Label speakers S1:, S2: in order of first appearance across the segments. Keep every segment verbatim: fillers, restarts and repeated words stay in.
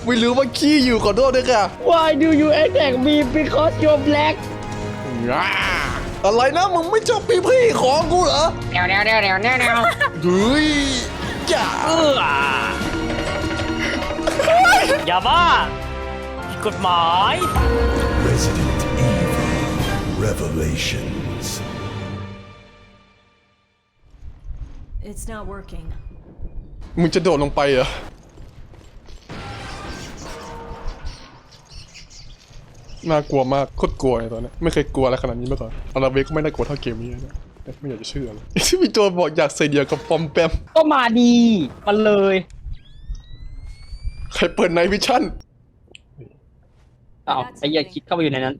S1: ไม่รู้ว่าขี้อยู่ขอโทษด้วยค่ะ
S2: Why do you attack me because you're black
S1: อะไรนะมึงไม่ชอบพี่พี่ของกูเหรอ
S2: เดี๋ยวเดี๋ยวเดี๋ยวเดี๋ยวเดี๋ยวเดี๋ยว
S1: เฮ้ยจ้า
S2: เอออย่าบ้าผิดกฎหมาย
S3: Resident Evil Revelations.
S4: It's not working.
S1: มึงจะโดดลงไปเหรอน่ากลัวมากโคตรกลัวเลยตอนนี้ไม่เคยกลัวอะไรขนาดนี้มาก่อนอาราเวก็ไม่น่ากลัวเท่าเกมนี้นะแต่ไม่อยากจะเชื่อเลยที่พี่โจบอกอยากใส่เดียวกับปอมแปม
S2: ก็มาดีมันเลย
S1: ใครเปิดไนท์วิชั่น
S2: อ้าวไอ้เหี้ยคิดเข้าไปอยู่ในนั้น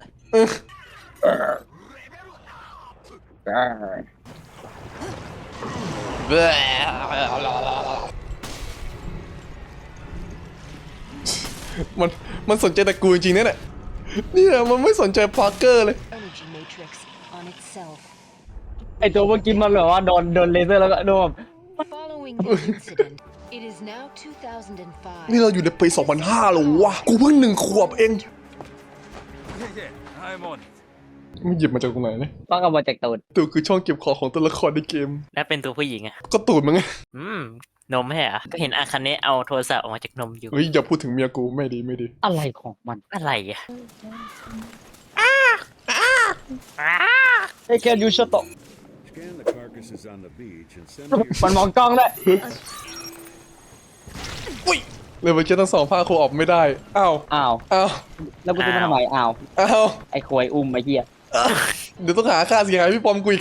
S1: มันมันสนใจแต่กูจริงๆเนี่ยแหละเนี่ยมันไม่สนใจพาร์เกอร์เลย
S4: Energy matrix on itself.
S2: ไอ้ตัวเมื่อกี้มันแบบว่าโดนโดนเลเซอร์แล้วก็โดน
S4: Following the incident, it is now two thousand five.
S1: นี่เราอยู่ในปีสองพันห้าแล้ววะกูเพิ่งหนึ่งขวบเอง
S5: Yeah, I'm on it.
S1: มันหยิบมาจากตรงไหนเนี่ย
S2: ต้องเอามาจากตูด
S1: ตูดคือช่องเก็บของของตัวละครในเกม
S6: แล้วเป็นตัวผู้หญิงอะ
S1: ก็ตูดมั้งไง
S6: อืม นมไม่ใช่เหรอก็เห็นอาคาเนะเอาโทรศัพท์ออกมาจากนมอยู่
S1: เฮ้ยอย่าพูดถึงเมียกูไม่ดีไม่ดี
S2: อะไรของมัน
S6: อะไรอะ
S2: ไอ้แกยูชโต
S5: Scan the carcasses on the beach and send me
S2: มันมองกล้องด้วย
S1: อุ้ยเลยเมื่อกี้ทั้งสองภาคคงออกไม่ได้อ้าว
S2: อ้าว
S1: อ้าว
S2: แล้วกูจะมาทำไมอ้าว
S1: อ้าว
S2: ไอ้ควยอุ้มไอ้เหี้ย
S1: เดี๋ยวต้องหาค่าเสียหายพี่ปอมกูอีก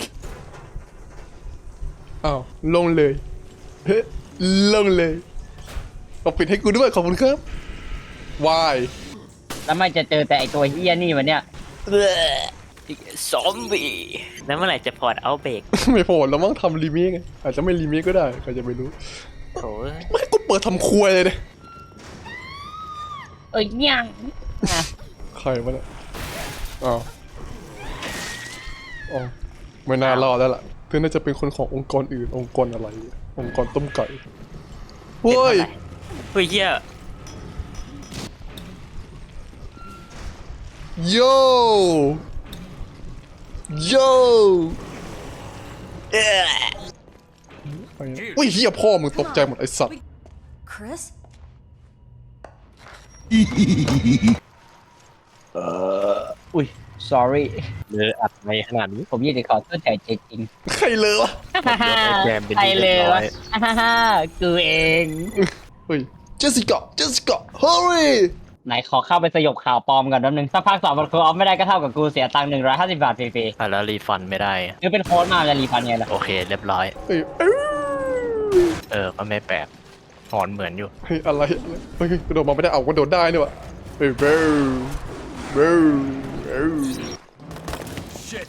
S1: อ้าวลงเลยเฮ้ยลงเลยเอาปิดให้กูด้วยขอบคุณครับวาย
S2: แล้วไม่จะเจอแต่ไอ้ตัวเหี้ยนี่วันเนี้ย
S6: ซอมบี้แล้วเมื่อไหร่จะพอร์ตเอาเบรก
S1: ไม่พอแล้วมั้งทำรีเมคไงอาจจะไม่รีเมคก็ได้ใครจะไม่รู้
S6: โถ่
S1: ไม่ให้กูเปิดทำครัวเลยเนี่ย
S2: เอ้ยยังอ่ะ
S1: ใครวะเนี่ยอ้าวอ๋อไม่น่ารอดแล้วล่ะเพื่อนน่าจะเป็นคนขององค์กรอื่นองค์กรอะไร องค์กรต้มไก่เฮ้ย
S6: เฮ้ยเหี้ย
S1: โยโยเอ๊ะอุ้ยเฮียพ่อมึงตกใจหมดไอ้สัตว์
S4: Chris?
S2: อุ้ย sorry
S6: เลยอัดในขนาดนี้
S2: ผมอยากจะขอโทษแทนเจจริง
S1: ใครเลยวะ
S6: แจมเป็น
S2: ใคร
S6: ที่
S2: เล
S6: เรียบ
S2: ย
S6: ร้อ
S2: วะ
S6: ย
S2: ฮ่ากูเอง
S1: เฮ้ยเจสสิก้าเจสสิก้าเฮ้ย
S2: ไหนขอเข้าไปสยบข่าวปลอมก่อนแป๊บนึงถ้าภาคสองมันคือออฟไม่ได้ก็เท่ากับกูเสียตังค์หนึ่งร้อยห้าสิบบาทฟรี
S6: อ่ะแล้วรีฟันไม่ได้
S2: ๆนี่เป็นโค้ดมาจะรีฟันไงล่ะ
S6: โอเคเรียบร้อย
S1: เฮ้ยเอ้ย
S6: เออ ก็ไม่แปลกหอนเหมือนอยู่
S1: เฮ้ยอะไรเฮ้ยกระโดดมาไม่ได้เอากระโดดได้นี่วะเฮ้ยเบ้อเบ้อเบ้อ
S5: shit.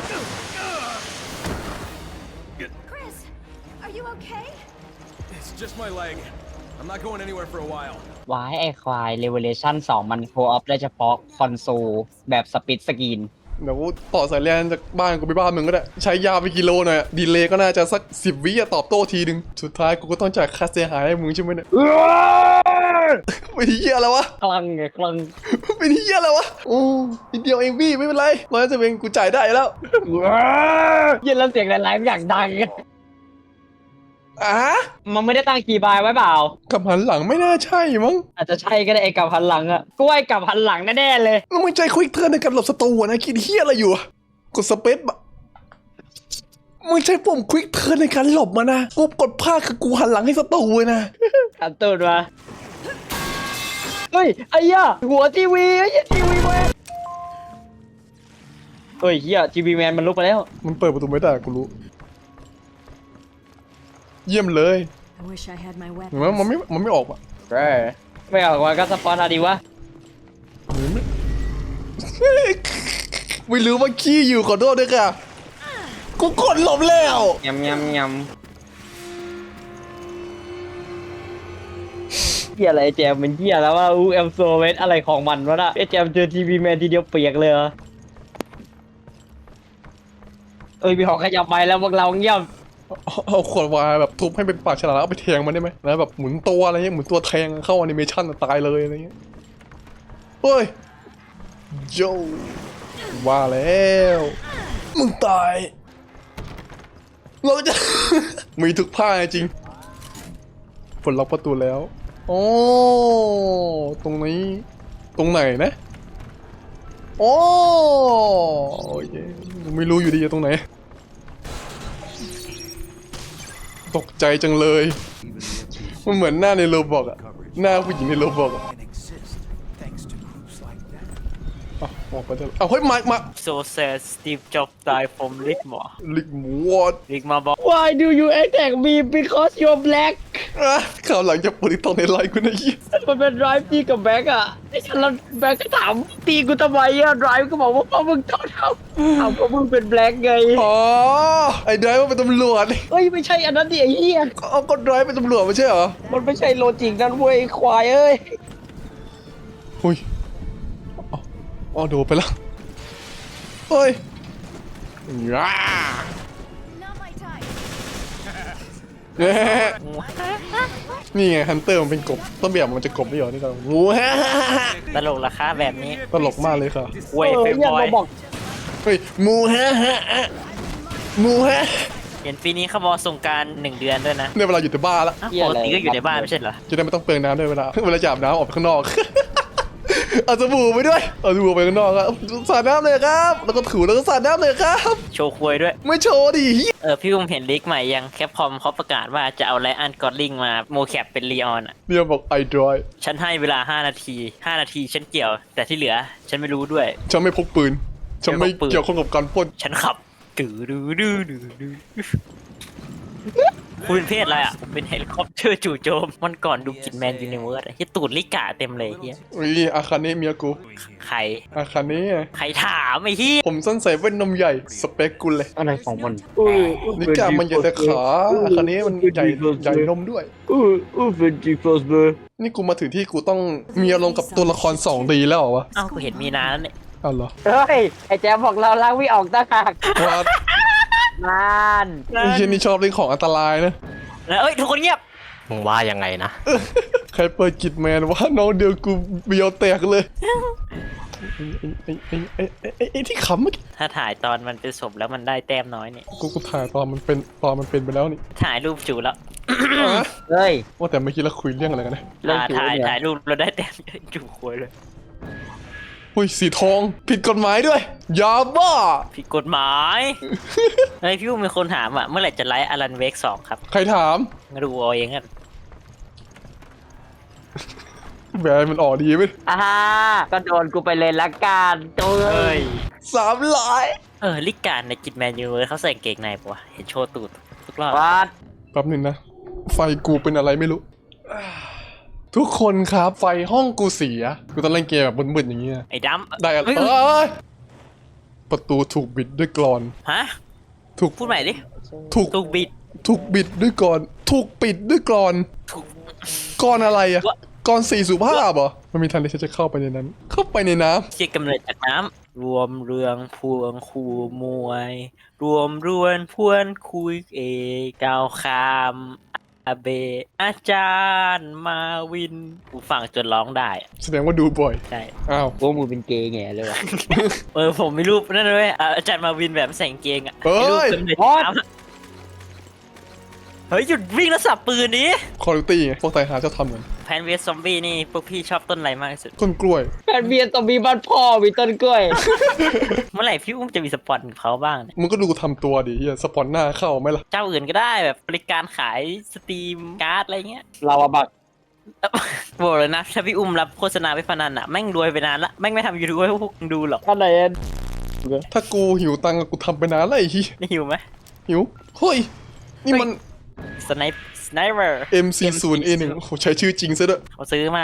S4: Chris, are you okay?
S5: It's just my leg. I'm not going anywhere for a while.
S2: วายไอควาย Revelation สองมันโคออฟได้เฉพาะคอนโซลแบบสปิดสกรีน
S1: เดี๋ยวกูต่อสายแลนจากบ้านกูไปบ้านมึงก็ได้ใช้ยาไปกิโลหน่อยอะดีเลย์ก็น่าจะสักสิบวิอะตอบโต้ทีนึงสุดท้ายกูก็ต้องจ่ายค่าเสียหายให้มึงใช่ไหมเนี่ยเป็นเหี้ยอะไรวะ
S2: คลังไงคลัง
S1: เป็นเหี้ยอะไรวะโอ้นิดเดียวเองพี่ไม่เป็นไรร้อยจะเป็นกูจ่ายได้แล้ว
S2: เย็นแล้วเสียงไลฟ์อย่างดัง
S1: อ่ะ
S2: มันไม่ได้ตั้งกี่บายไว้เปล่า
S1: กับหันหลังไม่น่าใช่มั้ง
S2: อาจจะใช่ก็ได้ไอ้กับหันหลังอะกูว่าไอ้กับหันหลังแน่ๆเลย
S1: แล้วมึงใจควิกเทิร์นในการหลบศัตรูอะนะคิดเหี้ยอะไรอยู่อะกดสเปซบะมึงใช้ปุ่มควิกเทิร์นในการหลบมานะกูกดพลาดคือกูหันหลังให้ศัตรูเลยนะ
S2: ขันตูดมาเฮ้ยไอ้เหี้ยหัวทีวีไอ้เหี้ยทีวีแมนเฮ้ยเหี้ยทีวีแมนมันลุกไปแล้ว
S1: มันเปิดประตูไม่ได้กูรู้เยี่ยมเลย
S4: I wish I had my
S1: เห็นไหมมัน
S4: weapons.
S1: ไม่มันไม่ออกอ่ะ
S2: เออไม่ออกมาก็สปอนอะไรดีวะ
S1: ไม่รู้ว่าขี้อยู่ขอโทษด้วยค่ะกูกดหลบแล้ว
S2: ยำยำยำเหี้ยอะไรไอ้แจมมันเหี้ยแล้วว่าอูแอมโซเวสอะไรของมันวะน่ะไอ้แจมเจอทีวีแมนทีเดียวเปียกเลยเหรอเอ้ยมีหอกขยับไปแล้วพวกเราเงียบ
S1: เอาเอาขวดวายแบบทุบให้เป็นปากฉลามแล้วเอาไปแทงมันได้ไหมแล้วแบบหมุนตัวอะไรเงี้ยหมุนตัวแทงเข้าแอนิเมชันตายเลยอะไรเงี้ยเฮ้ยโจว่าแล้วมึงตายเราจะ มีทุกผ้าจริงปลดล็อกประตูแล้วโอ้ตรงนี้ตรงไหนนะโอ้โอเคไม่รู้อยู่ดีตรงไหนตกใจจังเลยมันเหมือนหน้าในโรบอกอะหน้าผู้หญิงในโรบอกอะ
S3: Can exist thanks to groups like that.
S1: อ่ะออกไปเถอะเอาเฮ้ยมามา
S6: โซเซสสตีฟจ็อบตายฟอมลิกหมอ
S1: ลิกหมูวอด
S6: ลิกมาบอก
S2: Why do you attack me because you're black
S1: อ่ะข่าวหลังจะปฏิตองในไลน์กูนะยี่
S2: มันเป็น drive ตีกับแบ็กอะไอ้ฉันแล้วแบ็กก็ถามตีกูทำไมอะ drive ก็บอกว่าเพราะมึงทอดครับถามเพราะมึงเป็น black ไง
S1: อ๋อไอ้ไดรฟ์เป็นตำรวจ
S2: เฮ้ยไม่ใช่อันนั้นดิไอ้เหี้ย
S1: เอาก็ไดรฟ์เป็นตำรวจไม่ใช่เหรอ
S2: มันไม่ใช่โลจิกนั่นเว้ยควายเอ้ย
S1: หุยอ๋ออ๋อโดดไปแล้วเฮ้ยย้า
S4: Not my type.
S1: แหมนี่ไงฮันเตอร์มันเป็นกบต้นแบบมันจะกบไม่เหรอนี่ก็งูฮะ
S6: ตลกราคาแบบนี้
S1: ตลกมากเลยค่ะ
S6: เว้ย
S2: เออ
S6: เฟ
S2: เนี่ย
S6: บอ
S2: เรา
S6: ย
S2: บอก
S1: เฮ้ยมูฮะฮะฮะมูฮะ
S6: เห็นปีนี้เขาบอกสงกรารหนึ่งเดือนด้วยนะ
S1: เนี่ยเวลาอยู่แต่บ้านละ
S6: อ้าวปกติก็อยู่ในบ้านไม่ใช่เหรอ
S1: จะได้ไม่ต้องเปลืองน้ำด้วยเวลาเวลาจะอาบน้ำออกไปข้างนอก เอาสบู่ไปด้วยเอาสบู่ไปข้างนอกครับสาดน้ำเลยครับ แล้วก็ถูแล้วก็สาดน้ำเลยครับ
S6: โชว์ควยด้วย
S1: ไม่โชว์ดิ
S6: เออพี่อุ้มเห็นลิกใหม่ยังแคปคอมเขาประกาศว่าจะเอาไลอันกอดลิงมาโมแคปเป็นลีออนอ่ะ
S1: เนี่ยบอกไอดรอย
S6: ฉันให้เวลาห้านาทีห้านาทีฉันเกี่ยว แต่ที่เหลือ ฉันไม่รู้ด้วย
S1: ฉันไม่พกปืนฉันไม่
S6: ไม่พกปืน
S1: เกี่ยวข้องกับการปล้น
S6: ฉันขับดื้อดื้อดื้อดื้อดื้อคุณเป็นเพศอะไรอ่ะผมเป็นเฮลิคอปเตอร์จู่โจมมันก่อนดูกินแมนยูนิเวิร์สที่ตูดลิกาเต็มเลยเฮีย
S1: นี่อาคาเนะเมียกู
S6: ใคร
S1: อาคาเนะไง
S6: ใครถามไอ้เฮีย
S1: ผมสั้นใส่แว่นนมใหญ่สเปคกูเลย
S2: อะไรของมัน
S1: นิกามันใหญ่แต่ขาอาคาเนะมันใหญ่ใหญ่นมด้วย
S2: อู้อู้เป็นจีฟอสเบอร์
S1: นี่กูมาถึงที่กูต้องมีอารมณ์กับตัวละครสองดีแล้วเหรอวะ
S6: เอ้ากูเห็นมีนานแล้วเนี่ย
S1: อ้าวเหรอ
S2: เฮ้ยไอ้แจ๊บบอกเราล้างไม่ออกตาหาก
S1: ว่า
S2: นาน
S1: ไอ้เช่นนี่ชอบเล่นของอันตรายนะ
S6: แล้วเอ้ยทุกคนเงียบ
S7: มึงว่ายังไงนะ
S1: ใครเปิดกิจแมนว่าน้องเดียวกูเบียวแตกเลยไอ้ไอ้ไอ้ไอ้ไอ้ไอ้ที่ขำเมื่อกี้
S6: ถ้าถ่ายตอนมันเป็นศพแล้วมันได้แต้มน้อยเนี่ย
S1: กูกูถ่ายตอนมันเป็นตอนมันเป็นไปแล้วนี่
S6: ถ่ายรูปจูแล้ว
S2: เฮ้ย
S1: ว่าแต่เมื่อกี้เราคุยเรื่องอะไรกันนะ
S2: เรื่อง
S6: อ่า
S2: จู
S6: ถ่าย
S2: เนี่ย
S6: ถ่ายรูปเราได้แต้มจูควยเลย
S1: อุ้ยสีทองผิดกฎหมายด้วยยาบ้า
S6: ผิดกฎหมายไอ้พี่อุ้มมีคนถามอ่ะเมื่อไหร่จะไลฟ์อลันเวกสองครับ
S1: ใครถาม
S6: มาดูเอาเองกัน
S1: แบรนด์มันออกดีไหม
S2: อ่าก็โดนกูไปเลยละกันตัว
S6: เฮ้ย
S1: สามร้อย
S6: เออลิกการในกิจแมนยูเวอร์เขาใส่กางเกงในปะวะเห็นโชว์ตูดทุกรอบ
S2: วัด
S1: แป๊บหนึงนะ ไฟกูเป็นอะไรไม่รู้ ทุกคนครับไฟห้องกูเสีย กูต้องเล่นเกมแบบบึนๆอย่างเงี้ย
S6: ไอ้ดำ
S1: ได้อะไร
S6: เฮ้ย
S1: เอ้ยประตูถูกบิดด้วยกรอน
S6: ฮะ
S1: ถูก
S6: พูดใหม่ดิ
S1: ถูก
S6: ตูกบิด
S1: ถูกบิดด้วยกรอน ถูกปิดด้วยกรอน
S6: ถูก
S1: กรอนอะไรอะ
S6: วะ
S1: กรอนสี่สุภาพเหรอมันมีทางที่ฉันจะเข้าไปในนั้น เข้าไปในน้
S6: เชี่ยกำเนิดจากน้ำรวมเรืองพวงคูมวย รวมรวนพวนคุยเอกาวคามอาเบอาจารย์มาวินกูฟังจนร้องได้อะ
S1: ำแสดงว่าดูบ่อย
S6: ใช่
S1: อ้าว
S2: พวกมึงเป็นเกย์แง่เลยวะ
S6: เออผมไม่รู้นั่นเลยอ่ะอาจารย์มาวินแบบใส่กางเกงอ่ะ
S1: เฮ้ย
S6: ไอ้รูปกำเนิดจากน้ำอะเฮ้ยหยุดวิ่งแล้วสับปืนนี้
S1: คอร์ตี้ไงพวกไตหาจะทำเหมือน
S6: แพนเวสซอมบี้นี่พวกพี่ชอบต้นอะไรมากที่สุด
S1: ต้นกล้วย
S2: แฟนเบียร์ต้องมีบ้านพ่อมีต้นกล้วย
S6: เมื่อไหร่พี่อุ้มจะมีสปอนกับเขาบ้างเนี่ย
S1: มึงก็ดูกูทำตัวดิเฮียสปอนหน้าเข้าไหมล่ะ
S6: เจ้าอื่นก็ได้แบบบริการขายสตรีมการ์ดอะไรเงี้ย
S2: เราอะบัก
S6: บอกเลยนะถ้าพี่อุ้มรับโฆษณาไปพนันอะแม่งรวยไปนานละแม่งไม่ทำยูทูบให้พวกมึงดูหรอก
S2: ท่านไหน
S1: ถ้ากูหิวตังค์กูทำไปนานแล้วไอ้เฮีย
S6: ได้หิวไหม
S1: หิว เฮ้ย นี่มัน
S6: สไนป์สไนเปอร์
S1: เอ็ม สี่สิบ เอ หนึ่ง โอ้โหใช้ชื่อจริงซะด้วย
S6: เขาซื้อมามั้ง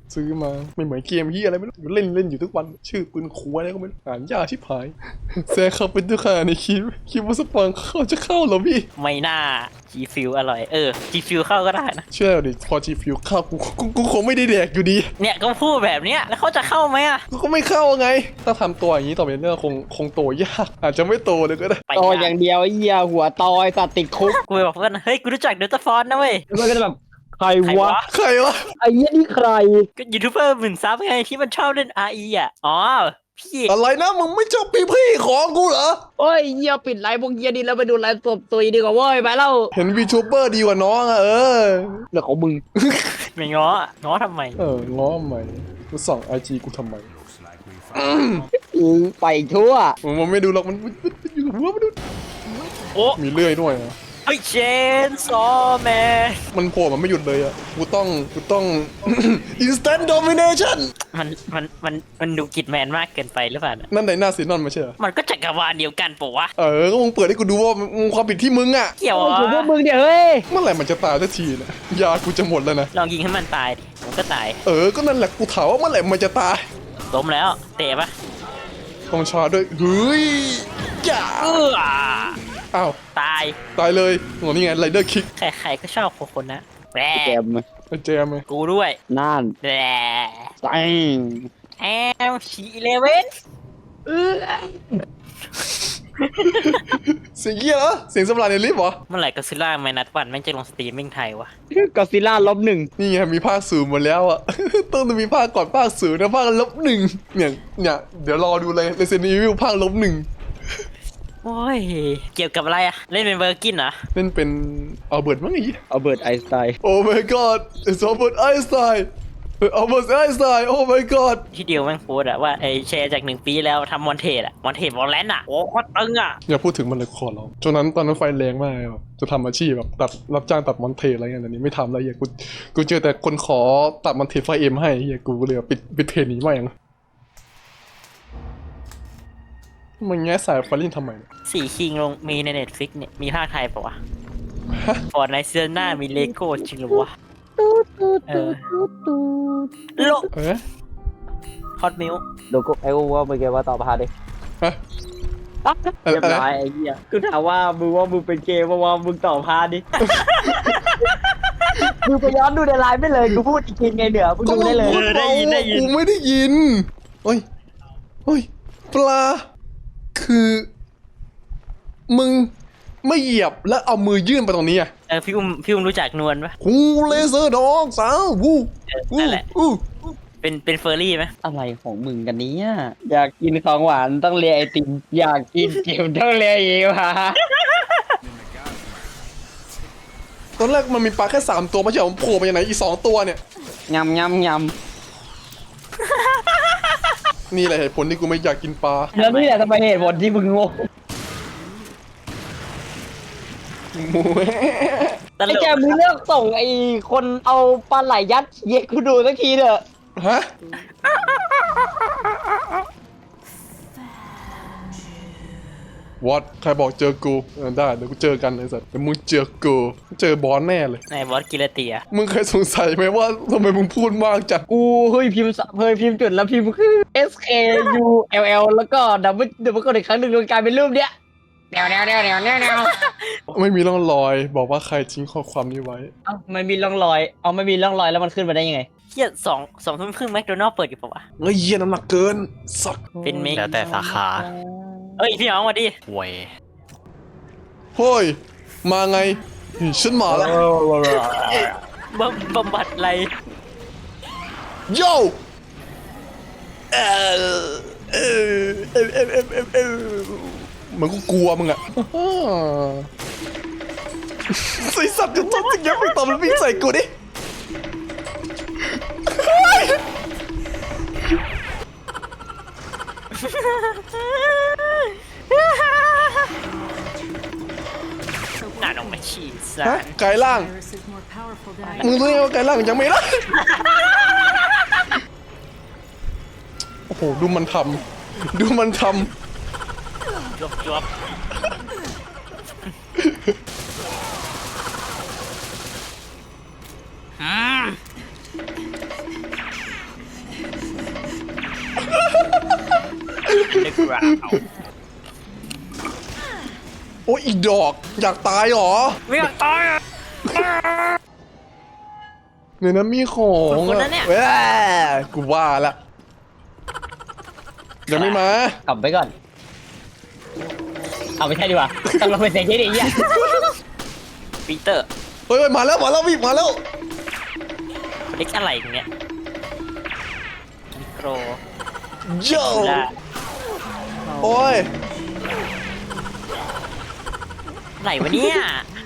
S1: ซื้อมาไม่เหมือนเกมที่อะไรไม่รู้เล่นเล่นอยู่ทุกวันชื่อปืนคูอะไรก็ไม่รู้อ่านยากชิบหายแซงเข้าเป็นตัวขาในคลิปคิดว่าสปอนเขาจะเข้าเหรอพี่
S6: ไม่น่าจีฟิวอร่อยเออจีฟิวเข้าก็ได้นะ
S1: เชื่อดิพอจีฟิวเข้ากูกูกูคงไม่ได้แดกอยู่ดี
S6: เนี่ยก็พูดแบบเนี้ยแล้วเขาจะเข้าไหมอะ
S1: กูก็ไม่เข้าไง ถ้าทำตัวอย่างนี้ต่อไปเนี่ยคงคงโตยากอาจจะไม่โตเลยก็ได้
S6: ไป
S2: ตออย่างเดียวไอ้เหี้ยหัวตอยสัตว์ติดคุก
S6: กูไปบอกเพื่อนเฮ้ยกูรู้จักเดลต้าฟอนนะเว้ย
S2: แล้วมันก็จะแบบใคร
S6: ใคร
S2: วะ
S6: วะ
S1: ใครวะ
S2: ไอ้เหี้ยนี่ใคร
S6: ก็ยูทูบเบอร์หมื่นซับไงที่มันชอบเล่น อาร์ อี อ่ะอ๋อพี่
S1: อะไรนะมึงไม่ชอบพี่พี่ของกูเหรอ
S2: โอ้ยเหี้ยปิดไลฟ์พวกเหี้ยนี่แล้วไปดูไลฟ์สดตุยดีกว่าเว้ยไปแล้ว
S1: เห็นวีทูเบอร์ดีกว่าน้องอะเออ
S2: เรื่องของมึง
S6: ไม่ง้อง้อทำไม
S1: เออง้อทำไมกูส่องไอจีกูทำไม
S2: อือไปทั่ว
S1: มึงมันไม่ดูหรอกมันมันมันมันอยู่กับหัวมันดู
S6: โอ้
S1: มีเลื่อยด้วยอะ
S6: ไอเชนซอแมน
S1: มันโผล่มันไม่หยุดเลยอะกูต้องกูต้อง instant domination
S6: มันมันมันมันดูกิดแมนมากเกินไปหรือเปล่าเนี่ย
S1: นั่นไหนหน้าซีนอนไม่ใช่เหรอ
S6: มันก็จักรวาลเดียวกันปะวะ
S1: เออก็มึงเปิดให้กูดูว่ามึงความผิดที่มึงอะ
S6: เกี่ยว
S2: โอ้ย
S6: อ่ะ
S2: ถือพวกมึงเดี๋ยวเฮ้ย
S1: เมื่อไหร่มันจะตายสักทีนะยากูจะหมดแล้วนะ
S6: ลองยิงให้มันตายดิมันก็ตาย
S1: เออก็นั่นแหละกูถามว่าเมื่อไหร่มันจะตาย
S6: ล้มแล้วเตะปะ
S1: ต้องชาร์จด้วยเฮ้ยจ้า
S6: เออ
S1: อ้าว
S6: ตาย
S1: ตายเลยโหนี่ไงไรเดอร์คิก
S6: ใครๆก็ชอบคนคนนะแหม
S2: แกม
S1: ไอ้เจมไง
S6: กูด้วย
S2: นั่น
S6: แหม
S2: ตัง
S6: แอมชีเลเว่น
S2: เออ
S1: เสียงเหี้ยเหรอเสียงสำราญในลิฟต์เหรอ
S6: เมื่อไหร่ก็ซิล่าไม่นัดวันแม่งจะลงสตรีมมิ่งไทยวะ
S2: ก็ซิล่าลบหนึ่ง
S1: นี่ไงมีภาคศูนย์หมดแล้วอ่ะ ต้องมีภาคก่อนภาคศูนย์นะภาคลบหนึ่งเนี่ยเนี่ยเดี๋ยวรอดูเลย Resident Evil ภาคลบหนึ่ง
S6: โอ้ยเกี่ยวกับอะไรอะเล่นเป็นเบอร์กินเหรอ
S1: เล่นเป็นอัลเบิร์ตมั้งไอ้เหี้ย
S2: เอาเบิร์ตไอน์สไตน์
S1: Oh my god it's Albert Einstein Albert Einstein Oh my god
S6: ที่เดียวแม่งโพสต์อะว่าไอแชร์จากหนึ่งปีแล้วทำมอนเทสอะมอนเทสวอลเลนอะโอ้โคตรตึงอะ
S1: อย่าพูดถึงมันเลยขอร้องช่วงนั้นตอนนั้นไฟแรงมากแบบจะทำอาชีพแบบตัดรับจ้างตัดมอนเทสอะไรเงี้ยแต่นี้ไม่ทำแล้วเหี้ยกูกูเจอแต่คนขอตัดมอนเทสไฟเอ็มให้เฮียกูเลยปิดปิดเพจหนี้มาอย่างมึงแง่สายไฟลินทำไมเนี่ย
S6: สี่คิงลงมีในเน็ตฟิกเนี่ยมีภาคไทยปะวะฟอร์ดในซีซั่นหน้ามีเลโก้จริงหรือวะเออโล
S1: เอ๊ะ
S6: ฮอตมิล
S2: เดี๋ยวกูไอ้กูว่ามึงแกว่าต่อพาดิ
S1: ฮะ
S2: เรียบร้อยไอ้เหี้ยกูถามว่ามึงว่ามึงเป็นเกย์ว่าว่ามึงต่อพาดิ มึงไปย้อนดูในไลน์ไม่เลยกูพูดอีกทีไงเดี๋ยวมึงดูได้เลย
S1: กูได้ยินได้ยินกูไม่ได้ยินเฮ้ยเฮ้ยปลาคือ มึงไม่เหยียบแล้วเอามือยื่นไปตรงนี้อ่ะ
S6: เออพี่อุ้มพี่อุ้มรู้จักนวลปะ
S1: กูเลเซอร์ดอกสาววู
S6: เออ
S1: วู
S6: นั่นแหละ
S1: อู้
S6: เป็นเป็นเฟอร์รี่ไหม
S2: อะไรของมึงกันเนี้ยอยากกินของหวานต้องเลียไอติมอยากกินเกมต้องเลียเอวฮะ
S1: ตอนแรกมันมีปลาแค่สามตัวไม่ใช่เหรอมันโผล่มาจากไหนอีกสองตัวเนี่ย
S2: ยำยำย
S1: นี่แหละเหตุผลที่กูไม่อยากกินปลา
S2: ำแล้วนี่แหละทำไมเหตุผลที่มึงงง
S1: หมู
S6: ตล
S2: ไอ้
S6: ก
S2: แกมึงเลือกส่งไอ้คนเอาปลาไหลยัดเย็ดกูดูสักทีเถอะ
S1: ฮะวอตใครบอกเจอกูเออได้เดี๋ยวกูเจอกันไอ้สัสเดี๋ยวมึงเจอกูเจอบอสแน่เลย
S6: ในบอสกิเลเตีย
S1: มึงเคยสงสัยไหมว่าทำไมมึงพูดมากจัง
S2: กูเฮ้ยพิมพ์สเฮ้ยพิมพ์จุดแล้วพิมพ์คือ S K U L L แล้วก็ดับเบิลดับเบิลกดอีกครั้งหนึ่งมันกลายเป็นรูปเนี้ยแนวแนวแนวแนวแนวแนว
S1: ไม่มีร่องรอย บอกว่าใครทิ้งข้อความนี้ไว้
S2: เอ้ามันมีร่องรอยเอาไม่มีร่องรอยแล้วมันขึ้นมาได้ยังไง
S6: เฮียสองสองทุ่มครึ่งแมคโดนัลด์เปิดอยู่ปะวะ
S1: เฮ้ยเหี้ยน้ำหนักเกิน สัก
S6: เป็นเมก
S7: แล้วแต่สาขา
S6: เอ้ยพี่น้องมาดิ
S7: หวย
S1: เฮ้ย มาไงฉันมาแล้ว
S6: บำบำบัดอะไร
S1: โย่เออเออเออเออเออเออเออเหมือนกูกลัวมึงอะใส่สัตว์จะจับจริงยังไม่ตอบมันวิ่งใส่กูดิ
S6: น่าลงมาฉีดซะ
S1: ฮะไก่ล่าง
S4: Virus is more powerful than
S1: มึงรู้ไงว่าไก่ล่างยังไม่ได้โอ้โห ดูมันทำ ดูมันท
S6: จวบจวบอืม
S1: โอ้ยอีดอกอยากตายเหรอ
S6: ไม่อยากตายอ่ะ
S1: ในนั้นมีของ
S6: คน
S1: อะ
S6: นั้นเนี่ย
S1: แหม่กูว่าละยังไม่มา
S2: กลับไปก่อน เอาไม่ใช่ดีกว่าต้องลงไปเสียงที่ดีอ่ะ
S6: ปีเตอร์
S1: เฮ้ยเฮ้ยมาแล้วมาแล้วพี่มาแล้ว
S6: เล็กอะไรอย่างเงี้ยมิโคร
S1: โย่
S6: ได้
S1: โอ้ย
S6: ไหนวะเนี่ย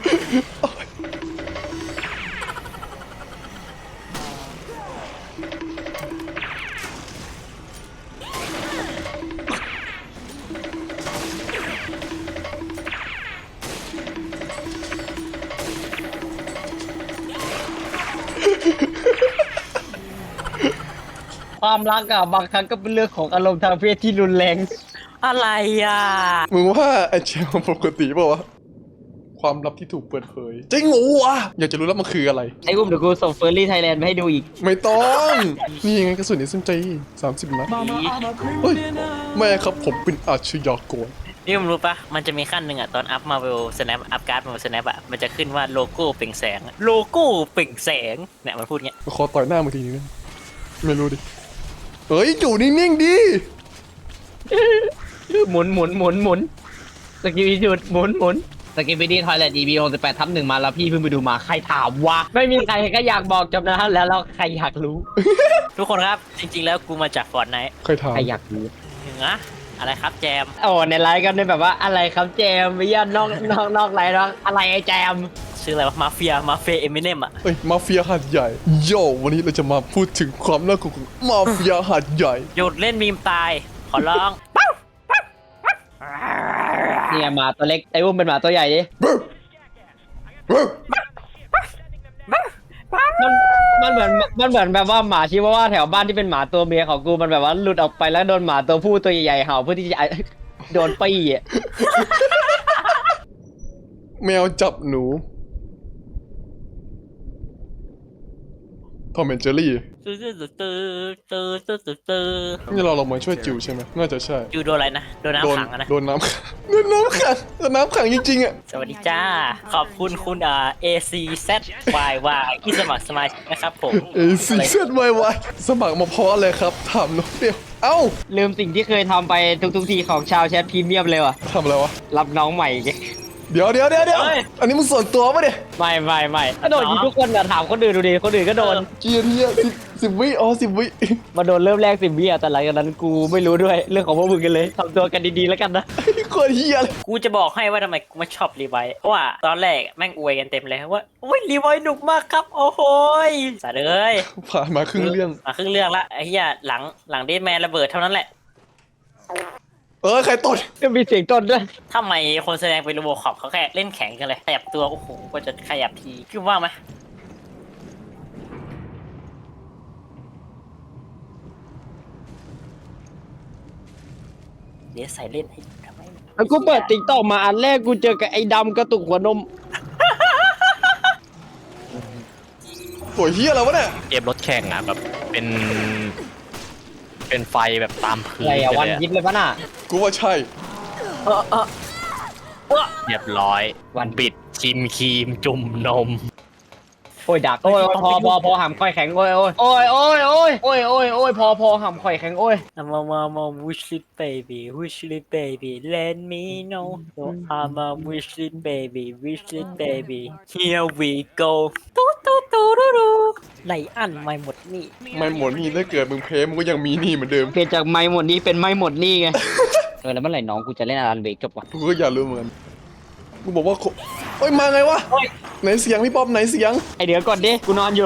S2: ความรักอะบางครั้งก็เป็นเรื่องของอารมณ์ทางเพศที่รุนแรง
S6: อะไรอ่ะ
S1: มึงว่าไอ้เชลปกติเปล่าวะความลับที่ถูกเปิดเผยจริงเหรอวะอยากจะรู้แล้วมันคืออะไร
S2: ไอ้อุ้มเดี๋ยวกูส่งเฟอร์รี่ไทยแลนด์มาให้ดูอีก
S1: ไม่ต้อง นี่ยังไงกระสุนนี้สนใจสามสิบนัดเฮ้ยแม่ครับผมเป็นอาชญากร
S6: นี่มึงรู้ปะมันจะมีขั้นหนึ่งอ่ะ ตอนอัพมาเวลสแนปอัพการ์ดมาเวลสแนปอ่ะ มันจะขึ้นว่าโลโก้เปล่งแสง โลโก้เปล่งแสง เนี่ยมันพูดเงี้ย
S1: ขอต่อยหน้ามึงทีนึงนะไม่รู้ดิเฮ้ยอยู่นิ่งๆดิ
S2: หมุนหมุนหมุนหมุนสกิลจุดหมุนหมุนสกิลบิดี้ทอยเลท อี บี หกสิบแปดทับหนึ่งมาแล้วพี่เพิ่งไปดูมาใครถามวะไม่มีใครก็อยากบอกจำนะแล้วแล้วใครอยากรู้
S6: ทุกคนครับ จริงๆแล้วกูมาจากฟอร์ดไนท์
S1: ใครถาม
S2: ใครอยากรู้
S6: นะอะไรครับแจม
S2: โอ้ในไลฟ์กันเนี่ยแบบว่าอะไรครับแจมไม่ยานอกนอกนอกไลฟ์นอกอะไรไอ้แจม
S6: ชื่ออะไรวะ มาเฟีย มาเฟียเอมิเนมอ่ะ
S1: เอ้ยมาเฟียหาดใหญ่โย่วันนี้เราจะมาพูดถึงความน่ากลัวของมาเฟียหาดใหญ่
S6: หยุดเล่นมีมตาย ขอร้อง
S2: เนี่ยหมาตัวเล็กไอ้อุ้มเป็นหมาตัวใหญ่ดิมันมันเหมือนมันเหมือนแบบว่าหมาชิวาว่าแถวบ้านที่เป็นหมาตัวเมียของกูมันแบบว่าหลุดออกไปแล้วโดนหมาตัวผู้ตัวใหญ่ๆเห่าเพื่อที่จะ โดนปี้อ่ะ
S1: แมวจับหนูทอมแอนเจอรี่
S6: ตื้อตื้อตื้อตื้อตื้อตื้อตื้อ
S1: นี่เราลงมาช่วยจิวใช่ไหมน่าจะใช่
S6: อยู่โดนอะไรนะ โดน
S1: โดน
S6: น้ำขังอะนะ
S1: โดนน้ำขังโดนน้ำขังโดนน้ำขังจริงๆอ่ะ
S6: สวัสดีจ้า ขอบคุณคุณอ่า เอ ซี แซด วาย วาย ที่สมัครสมาชิกนะครับผม
S1: เอซีเซตไวไวสมัครมาเพราะอะไรครับถามน้องเดียวเอ้า
S2: ลืมสิ่งที่เคยทำไปทุกๆทีของชาวแชทพรีเมียมเลยว่ะ
S1: ทำอะไรวะ
S2: รับน้องใหม่
S1: เดี๋ยวเดี๋ยวเดี๋ยวเดี๋ยวอันนี้มึงส่วนตัวปะเนี่ย
S2: ไม่ไม่ไม่ก็โดนยิงทุกคนอะถามคนอื่นดูดิคนอื่นก็โดน
S1: เกียร์ที่สิบสิบวิอ๋อสิบวิ
S2: มาโดนเริ่มแรกสิบวิอะแต่หลังจากนั้นกูไม่รู้ด้วยเรื่องของพวกมึงกันเลยทำตัวกันดีๆแล้วกันนะ
S1: โคตรเฮียเลย
S6: กูจะบอกให้ว่าทำไมกูไม่ชอบรีไวท์เพราะว่าตอนแรกแม่งอวยกันเต็มเลยว่าโอ้ยรีไวท์หนุกมากครับ โอ้โหยสาดเลย
S1: ผ่านมาครึ่งเรื่อง
S6: มาครึ่งเรื่องละไอ้เหี้ยหลังหลังเดดแมนระเบิดเท่านั้นแหละ
S1: เออใครตด
S2: ก็มีเสียงต้นด้วย
S6: ทำไมคนแสดงเป็นโรบอคอปเขาแค่เล่นแข็งกันเลยขยับตัวโอ้โหก็จะขยับทีคิดว่าไหมเดี๋ยวใส่เล่นให้ทำไม
S2: แล้วกูเปิดติ๊กต็อกมาอันแรกกูเจอกับไอ้ดำกระตุกหัวนม
S1: โอ้ยเฮียแล้ววะเนี่ย
S7: เกมรถแข่งอ่ะแบบเป็น เป็นไฟแบบตามพื้น
S2: อะไรอะ
S7: ไป
S2: วัน
S7: เลยอะ
S2: ยิบเลยปะน่ะ
S1: กูว่าใช่
S6: เออเออเออ
S7: เรียบร้อย
S2: วัน
S7: บิดชิมครีมจุ่มนม
S2: โอ้ยดักโอ้ยพอพอพอหำค่อยแข็งโอ้ยโอ้ยโอ้ยโอ้ยโอ้ยโอ้ยโอ้ยโอ้ยพอพอหำค่อยแข็งโอ้ย
S6: มามามา wish it baby wish it baby let me know so I'm a wish it baby wish it baby here we go ตูตูตูตูตูไหลอันไม่หมดนี่
S1: ไม่หมดนี่ถ้าเกิดมึงเพลมึงก็ยังมีหนี่เหมือนเดิม
S2: เปลี่ยนจากไม่หมดนี้เป็นไม่หมดนี่ไง เออแล้วเมื่อไหร่น้องกูจะเล่นอารันเบรกจบวะ
S1: กูก็อยากรู้เหมือนกันกูบอกว่าโคเฮ้ยมาไงวะไหนเสียงพี่ป๊อปไหนเสียง
S2: ไอเดี๋ยวก่อนดิกูนอนอยู่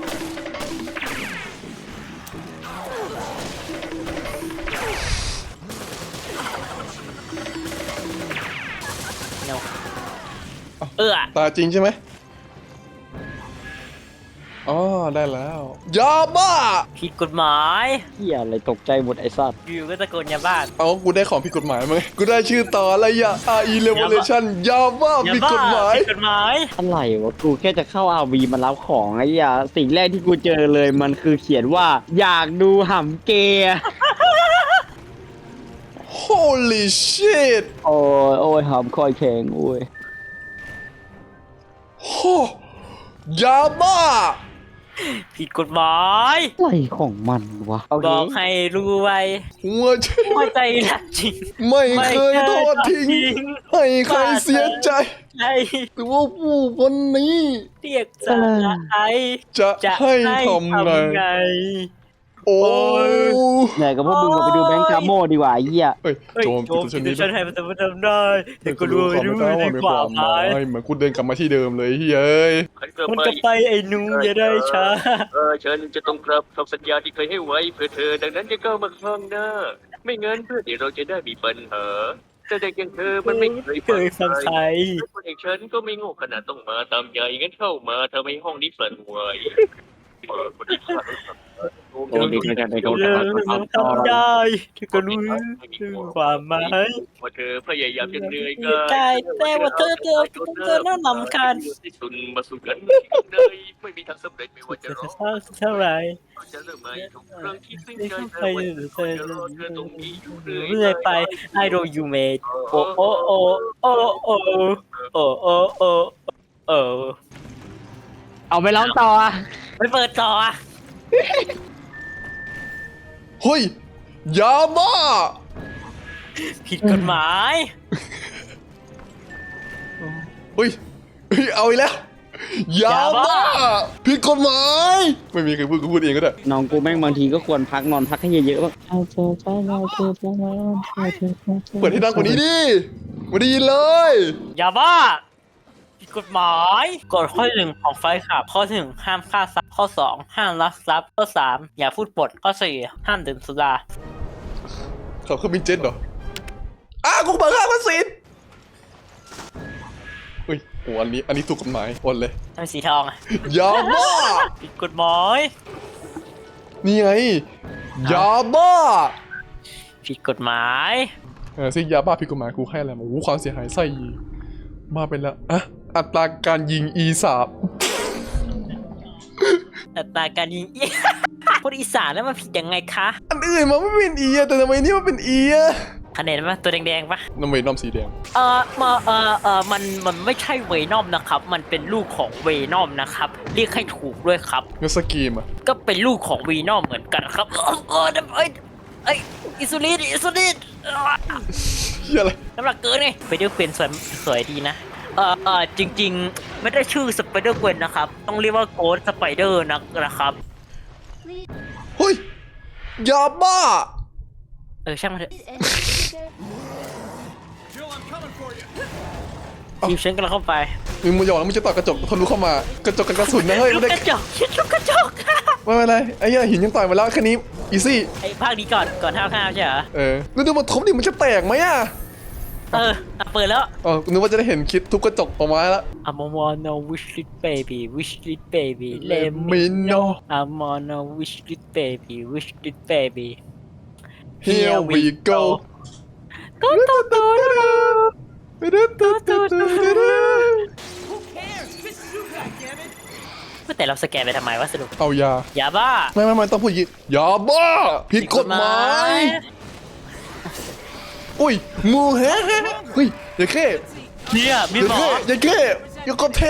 S6: เออ
S1: ตาจริงใช่ไหมอ๋อได้แล้วยาบ้า
S6: ผิดกฎหมาย
S2: เฮียอะไรตกใจหมดไอ้สัตว์
S6: อยู่ก็ตะโกนยาบ้าน
S1: เอากูได้ของผิดกฎหมายมั้ยกูได้ชื่อต่ออะไรอะ อาร์ อี Revelation ยาบ้าย
S6: า
S1: ผิด
S6: บ้าก
S1: ฎหมาย
S6: ผิดกฎหมาย
S2: อะไรวะกูแค่จะเข้าอาวีมารับของไอ้ยาสิ่งแรกที่กูเจอเลยมันคือเขียนว่าอยากดูหำเกย์
S1: โอ้ holy shit
S2: โอ้ยโอ้ยหอมคอยแข็งโอ้ย
S1: โอ้ยาบ้า
S6: ผิดกฎหมาย
S2: อะไรของมันวะ
S6: บอกให้รู้ไว้
S1: หัวใจ
S6: หัวใจรักจริง
S1: ไม่เคยทอดทิ้งให้ใครเสียใจ
S6: ใช่
S1: แต่ว่าผู้คนนี้
S6: เรียกจะไอ
S1: จะ
S6: จะ
S1: ให้
S6: ให้
S1: ทำ
S6: ทำ
S1: ไง
S6: ไง
S1: โอ้ย
S2: เหนื่อยกับพวกมึงไปดูแบงค์คาโมดีกว่าไอ้เหี้ย
S1: เฮ้ย
S6: เฮ้ย
S1: โจม
S6: โจ
S1: ตี
S6: ม
S1: ตัวช
S6: ตี
S1: นิด
S6: ฉันให้มันทำได้แต่ก็รู้ไม่รู้ดีกว่าไหม
S1: เหมือนกูเดินกลับมาที่เดิมเลยเฮ้ย
S6: มันก็ไปไอ้หนูอย่าได้ช้า
S7: เออฉันจะต้องกลับคำสัญญาที่เคยให้ไว้เพื่อเธอดังนั้นจะก้าวมาข้างหน้า ไม่งั้นเพื่อที่เราจะได้มีปัญหาแต่เด็กอย่างเธอมันไม่เคย
S6: เคยฟังใคร
S7: คนอย่างฉันก็ไม่โง่ขนาดต้องมาตามใจงั้นเข้ามาเธอไม่ห้องนี้สั่นไหวเปิดคนที่ขาด
S2: โอ้ดีใจกันไปโดน
S6: เรื่องมันทำได้เธอก็รู้ถึงความหมาย
S7: ว่าเธอพยายามจะเหนื่อยกาย
S6: ได้แต่ว่าเธอเธอเธอน่าหนำคัญ
S7: ที่สุดมาสู่กันเลยไม่มีทางสำเร็จไม่ว่าจะ
S6: จะ
S7: ร้อง
S6: เศร้าเท่าไหร่
S7: จะเริ่มใหม่ทุกครั้งที่สิ้น
S6: ไม่
S7: ใจ
S6: ต้อง
S7: เธ
S6: ไป
S7: อ
S6: หรือเธอ
S7: จะรอเธอตรงนี้อยู่เรื่
S6: เรื่
S7: อ
S6: อย ยไป I know you made โอ้โอ้โอ้โอ้โอ้โอ้โอ้โอ้โอ้เอาไปร้องต่ออ่ะไม่เปิดต่ออ่ะ
S1: เฮ้ยยาบ้า
S6: ผิดกฎหมาย
S1: เฮ้ยเฮ้ยเอาอีกแล้วยาบ้าผิดกฎหมายไม่มีใครพูดกูพูดเองก็ได้
S2: น้องกูแม่งบางทีก็ควรพักนอนพักให้เยอะๆบ้าง
S1: เปิดให้ดังกว่านี้ดิไม่ได้ยินเลย
S6: อย่าบ้าผิดกฎหมายกฎข้อหนึ่งของไฟขับข้อหนึ่งห้ามฆ่าสัตว์ข้อสองห้ามลักทรัพย์ข้อสามอย่าพูดปดข้อสี่ห้ามดื่มสุรา
S1: เขาเครื่องบินเจ็ตเหรออ้าวกูเปิดข้าวมาสิเฮ้ยโอ้อันนี้อันนี้ถูกกฎหมายโอนเลย
S6: ทำสีทองอ่ะ
S1: ยาบ้า
S6: ผิดกฎหมาย
S1: นี่ไงยาบ้า
S6: ผิดกฎหมาย
S1: เออซึ่งยาบ้าผิดกฎหมายกูให้อะไรมาโอ้โหความเสียหายไส้ยีมาเป็นละอะอัตราการยิง อี สาม
S6: อัตราการยิง คนอีสานแล้วมันผิดยังไงคะ
S1: อันอื่นมันไม่เป็นอีอะแต่ทำไมนี่มันเป็นอีอะ
S6: คะแนนมั้ยตัวแดงๆปะ
S1: น้ำเวนอมสีแดง
S6: เออมาเออเออมันมันไม่ใช่เวนอมนะครับ มันเป็นลูกของเวนอมนะครับเรียกให้ถูกด้วยครับ
S1: เงนสกีมอะ
S6: ก็เป็นลูกของเวนอมเหมือนกันครับเออเออเอ้ยเอ้ยอิซูลินอิซูลิน
S1: เฮียอะไร
S6: น้ำหนักเกินไงไปเดอร์เกวนสวยสวยดีนะเออเออจริงๆ ไม่ได้ชื่อสไปเดอร์เกวนนะครับต้องเรียกว่าโกดสไปเดอร์นะนะครับ
S4: Please
S1: เฮ้ยยาบ้า
S6: เออช่างมันเถอะ
S4: and there.
S5: Jill, I'm coming for you.
S6: ทีมฉันกำลังเข้าไป
S1: มึงมาหยอกแล้วมึงจะต่อยกระจกทะลุเข้ามากระจกกันกระสุนนะเฮ้ย
S6: ลู
S1: ไม่
S6: ก
S1: ได้
S6: กระจกลูกกระจก
S1: ไม่เป็นไรไอ้เหี้ยหินยังต่อยมาแล้วแค่นี้อีซี่
S6: ไอ้ภาคนี้ก่อนก่อนห้าวข้าวใช่เหรอ
S1: เออแล้วดูมันทุบดิมันจะแตกไหมอะ
S6: เอออ่ะเปิดแล้ว
S1: อ๋อนึกว่าจะได้เห็นคลิปทุบกระจกออกมาแล้ว
S6: I'm on a wish list baby wish list baby
S1: Let
S6: let
S1: me
S6: me
S1: know
S6: I'm on a wish list baby wish list baby
S1: Here we go
S6: กูตูตูแต่เราสแกนไปทำไมวะสรุป
S1: เอายา
S6: อย่าบ้า
S1: ไม่ไม่ไม่ต้องพูดอยางงี้ยาบ้าผิดกฎหมายอุ้ยงูแฮะเฮ้ยอย่าแค่
S6: เนี่ยมี
S1: อย่า
S6: หมอ
S1: แค่อย่าแค่อย่าก็เท่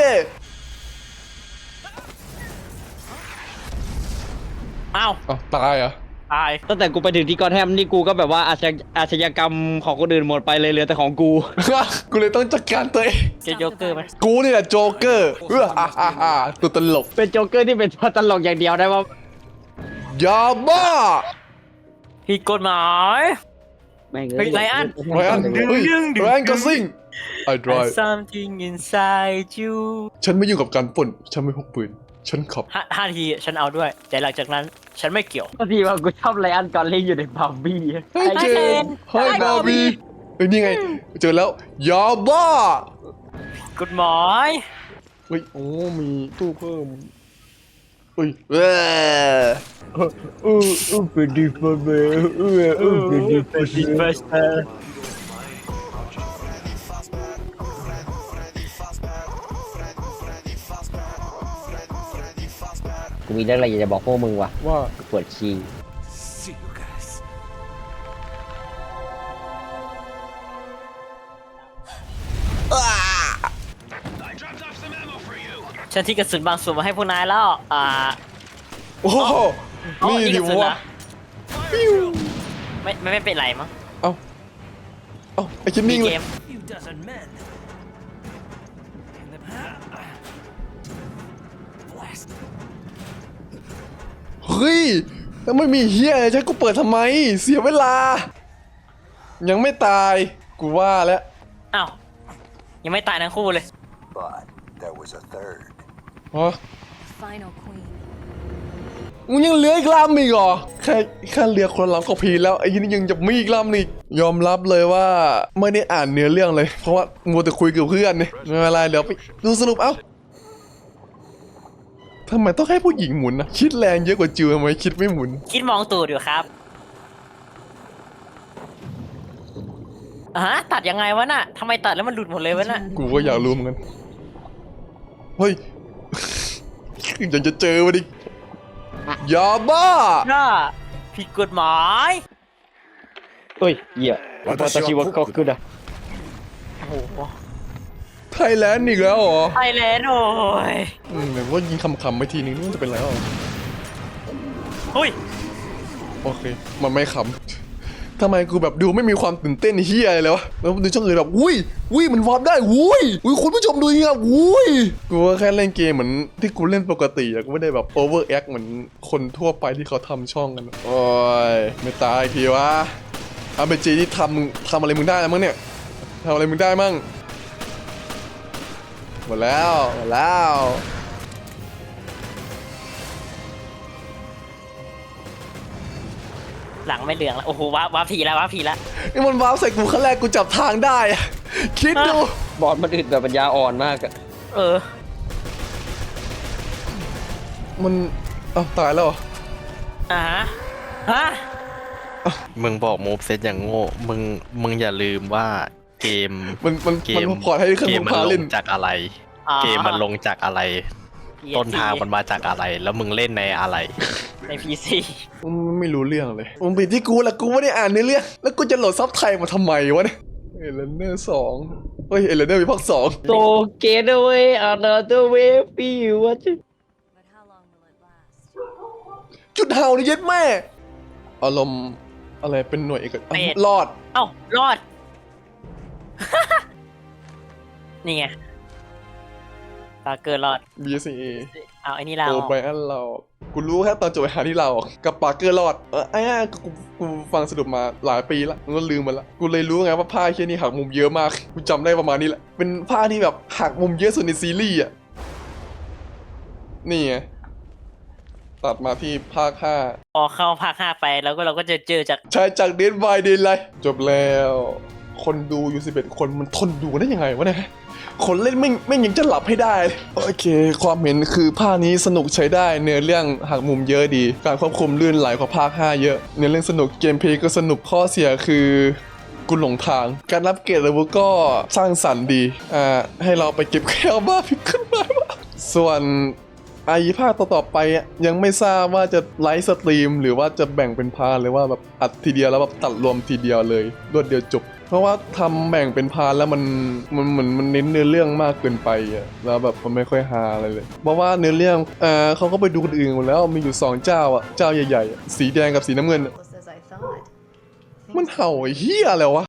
S6: อ้าว
S1: อ้าวตายอ่ะ
S6: ตาย
S2: ตั้งแต่กูไปถึงที่กอแทมนี่กูก็แบบว่าอาชญาอาชญากรรมของคนอื่นหมดไปเลยเหลือแต่ของกู
S1: กูเลยต้องจัดการตัวเอง
S6: เจอโจ๊กเกอร์ไหม
S1: กูนี่แหละโจ๊กเกอร์เอออ่าอ่าอ่าตัวตลก
S2: เป็นโจ๊กเกอร์ที่เป็นตัวตลกอย่างเดียวได้ว่าย
S1: าบ้า
S6: ผิดกฎหมาย
S2: แม่ง
S6: เฮ้ยไลอ้อน
S1: ไรอันเฮ้ยไรอันก็ซิ่งไอ้ดราย
S6: something inside you
S1: ฉันไม่ยุ่งกับการปล้นฉันไม่พกปืนฉันขับ
S6: ห้าห้าทีฉันเอาด้วย แต่หลังจากนั้นฉันไม่เกี่ยว
S2: ก็ทีว่ากูชอบไลอันก่อนเล่นอยู่ในบาร์บี้
S1: เฮ้ย
S6: ไอ้
S1: เจ
S6: เจ
S1: น
S6: น
S1: เฮ้ย
S6: ไอ้
S1: บาร์บี้
S6: บาร์บี้
S1: เฮ้ยนี่ไงเจอแล้วยาบ้า
S6: กฎหมาย
S1: เฮ้ยโอ้มีตู้เพิ่มเฮ้ยเออ
S2: เออเออเป็นดีฟเบอร์เออเออเป็นดีฟเบอร์ กูมีเรื่องอะไรอยากจะบอกพวกมึงว่ะ
S1: ว่า
S2: ปวดขี้
S3: See you guys.
S6: ฉันที่กระสุนบางส่วนมาให้พวกนายแล้ว อ่า
S1: โอ้โห
S6: อ๋อ
S1: นี่
S6: นี่
S1: ดิ
S6: กระสุน
S1: วะ
S6: นะไม่ไม่ไม่เป็นไรมั้ง
S1: เอ้าเอ้าไอ้คิด
S6: มี
S1: นิ่งเล
S6: เก
S1: ย
S6: ม
S3: few dozen men. And the blast.
S1: เฮ้ยแล้วไม่มีเฮียอะไรใช้กูเปิดทำไม เสียเวลา ยังไม่ตาย กูว่าแล้ว
S6: อ้าวยังไม่ตายทั้งคู่เลย
S3: But there was a third.
S1: ฮะ
S4: Final queen.
S1: มึงยังเหลืออีกลำอีกเหรอ แค่แค่เหลือคนละลำก็พีแล้วไอ้ยี่นี่ยังจะมีอีกลำอีก ยอมรับเลยว่าไม่ได้อ่านเนื้อเรื่องเลย เพราะว่ามัวแต่คุยกับเพื่อนเนี่ยไม่เป็นไรเดี๋ยวไปดูสรุปเอ้าทำไมต้องให้ผู้หญิงหมุนนะคิดแรงเยอะกว่าจิวทำไมคิดไม่หมุน
S6: คิดมองตูดอยู่ครับอ่ะฮะตัดยังไงวะน่ะทำไมตัดแล้วมันหลุดหมดเลยวะน่ะ
S1: กูก็อยากรู้เหมือนกัน เฮ้ย ยังจะเจอมาดิยาบ้า
S6: น่าผิดกฎหมาย
S2: เฮ้ยเหี้ยวัตชิวะก็คืออะ
S6: โอ้โห
S1: ไทยแลนด์อีกแล้วเหรอ
S6: ไทยแลนด์โอ้ย
S1: อืมแบบว่ายิงคำๆไปทีนึงนี่มันจะเป็นไรอ่ะ
S6: เฮ้ย
S1: โอเค มันไม่ขำทำไมกูแบบดูไม่มีความตื่นเต้นเฮียอะไรเลยวะ แล้วดูช่องอื่นแบบอุ้ยอุ้ยมันวาร์ปได้อุ้ยอุ้ยคุณผู้ชมดูนี่ครับอุ้ยกูก็แค่เล่นเกมเหมือนที่กูเล่นปกติอะกูไม่ได้แบบโอเวอร์แอคเหมือนคนทั่วไปที่เขาทำช่องกันอะโอ้ยไม่ตายอีกทีวะอาเบจีนี่ทำมึงทำอะไรมึงได้แล้วมั้งเนี่ยทำอะไรมึงได้มั่งหมดแล้วหมดแล้ว
S6: หลังไม่เหลืองแล้วโอ้โหว้าว้าผีแล้วว้าผีแล้ว
S1: นี่มันวาร์ปใส่กูครั้งแรกกูจับทางได้อะคิดดู
S2: บอสมันอึดแบบปัญญาอ่อนมากอะ
S6: เออ
S1: มันอ้าวตายแล้วเหรอ
S6: อ่าฮะฮะ
S8: มึงบอกมูฟเซตอย่างโง่ มึง มึงอย่าลืมว่าเกม
S1: มันมัน
S8: เก
S1: มัน
S8: ม
S1: พอร์ตให้เครื่อง
S8: เก
S1: มื
S8: ม
S1: อ
S8: มัน
S1: พา
S8: ล
S1: เล่น
S8: งจากอะไร
S6: อ๋อ
S8: เกมมันลงจากอะไร
S6: พี
S8: ต้นทางมันมาจากอะไร แล้วมึงเล่นในอะไร
S6: ใน พี ซี
S1: มันไม่รู้เรื่องเลยมันผิดที่กูแหละกูไม่ได้อ่านในเรื่องแล้วกูจะโหลดซับไทยมาทำไมวะเนี่ยเอเลนเนอร์สองเฮ้ยเอเลนเนอร์มีภาคสอง
S2: โตเกตเวย์อันเดอร์เวย์ฟิวว่าจะ
S4: But how long will it last?
S1: จุดเห่านี่เย็ดแม่อารมณ์อะไรเป็นหน่วยเอกอ่ะรอด
S6: เอ้ารอด นี่ไงปาเกอร์รอด
S1: บี เอส เอ
S6: เอาไอ้นี่เรา
S1: โอไบรอันเรากูรู้แค่ตอนจบไปหาที่เรากับปาร์เกอร์รอดเออไอ้อะกูกูฟังสรุปมาหลายปีละกูก็ลืมมันละกูเลยรู้ไงว่าภาคเคียนี่หักมุมเยอะมากกูจำได้ประมาณนี้แหละเป็นภาคที่แบบหักมุมเยอะสุดในซีรีส์อ่ะนี่ไงตัดมาที่ภาคห้า
S6: พอเข้าภาคห้าไปแล้วก็เราก็จะเจอจาก
S1: ใช้จากเดนบายเดนไลจบแล้ว คนดูอยู่สิบเอ็ดคนมันทนดูได้ยังไงวะเนี่ยคนเล่นไม่ไม่ยังจะหลับให้ได้เลยโอเค ความเห็นคือภาคนี้สนุกใช้ได้เนื้อเรื่องหักมุมเยอะดี การควบคุมลื่นไหลกว่าภาคห้าเยอะเนื้อเรื่องสนุกเกมเพลย์ก็สนุกข้อเสียคือกูหลงทาง การรับเกรดระบุก็สร้างสรรค์ดีอ่าให้เราไปเก็บแค่เอาบ้าพิมพ์ขึ้นมาส่วนไอ้ภาคต่อๆไปอ่ะยังไม่ทราบว่าจะไลฟ์สตรีมหรือว่าจะแบ่งเป็นพาร์ทหรือว่าแบบอัดทีเดียวแล้วแบบตัดรวมทีเดียวเลยรวดเดียวจบ เพราะว่าทำแบ่งเป็นพาร์ทแล้วมันมันเหมือนมันเน้นเนื้อเรื่องมากเกินไปอ่ะแล้วแบบมันไม่ค่อยฮาอะไรเลยเพราะว่าเนื้อเรื่องเอ่อเขาก็ไปดูคนอื่นหมดแล้วมีอยู่สองเจ้าอ่ะเจ้าใหญ่ๆอะสีแดงกับสีน้ำเงินอะ
S4: As I thought.
S1: มันเห่าไอ้เหี้ยอะไรวะ